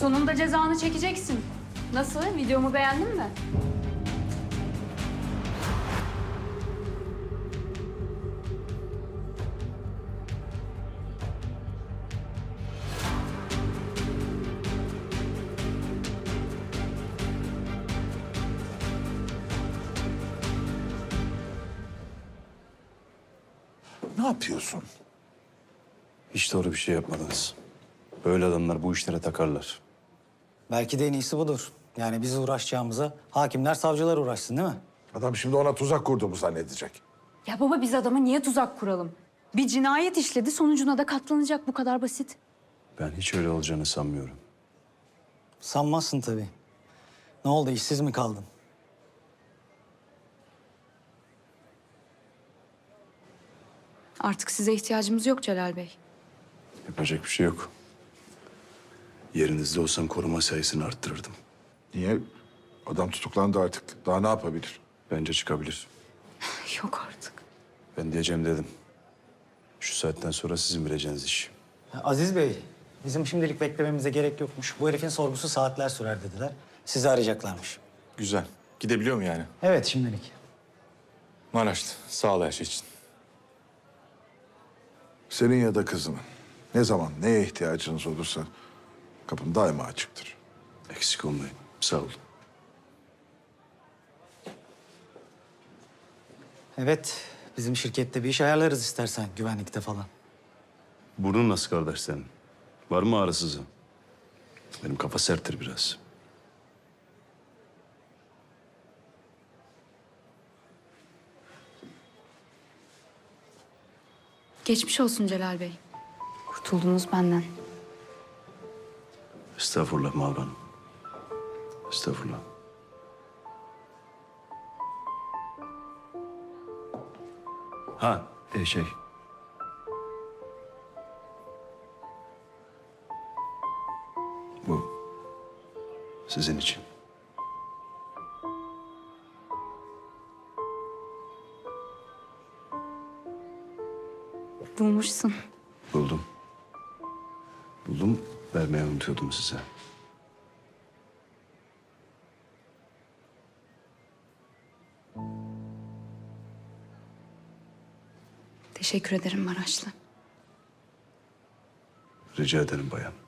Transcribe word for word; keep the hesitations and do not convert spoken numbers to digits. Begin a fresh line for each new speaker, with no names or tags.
Sonunda cezanı çekeceksin. Nasıl? Videomu beğendin mi?
Ne yapıyorsun?
Hiç doğru bir şey yapmadınız. Böyle adamlar bu işlere takarlar.
Belki de en iyisi budur. Yani biz uğraşacağımıza hakimler, savcılar uğraşsın değil mi?
Adam şimdi ona tuzak kurduğumu zannedecek.
Ya baba biz adama niye tuzak kuralım? Bir cinayet işledi, sonucuna da katlanacak. Bu kadar basit.
Ben hiç öyle olacağını sanmıyorum.
Sanmazsın tabii. Ne oldu, işsiz mi kaldın?
Artık size ihtiyacımız yok Celal Bey.
Yapacak bir şey yok. Yerinizde olsam koruma sayısını arttırırdım.
Niye? Adam tutuklandı artık. Daha ne yapabilir?
Bence çıkabilir.
Yok artık.
Ben diyeceğim dedim. Şu saatten sonra sizin bileceğiniz iş.
Ha, Aziz Bey, bizim şimdilik beklememize gerek yokmuş. Bu herifin sorgusu saatler sürer dediler. Sizi arayacaklarmış.
Güzel. Gidebiliyor mu yani?
Evet, şimdilik.
Maraşlı. Sağ ol her şey için.
Senin ya da kızının. Ne zaman neye ihtiyacınız olursa kapım daima açıktır.
Eksik olmayın. Sağ olun.
Evet, bizim şirkette bir iş ayarlarız istersen, güvenlikte falan.
Burnun nasıl kardeş senin? Var mı ağrısızı? Benim kafa serttir biraz.
Geçmiş olsun Celal Bey. Kurtuldunuz benden.
Estağfurullah Mavra Hanım. Estağfurullah. Ha, e, şey. Bu sizin için.
Bulmuşsun.
Buldum. Buldum, vermeyi unutuyordum size.
Teşekkür ederim Maraşlı.
Rica ederim bayan.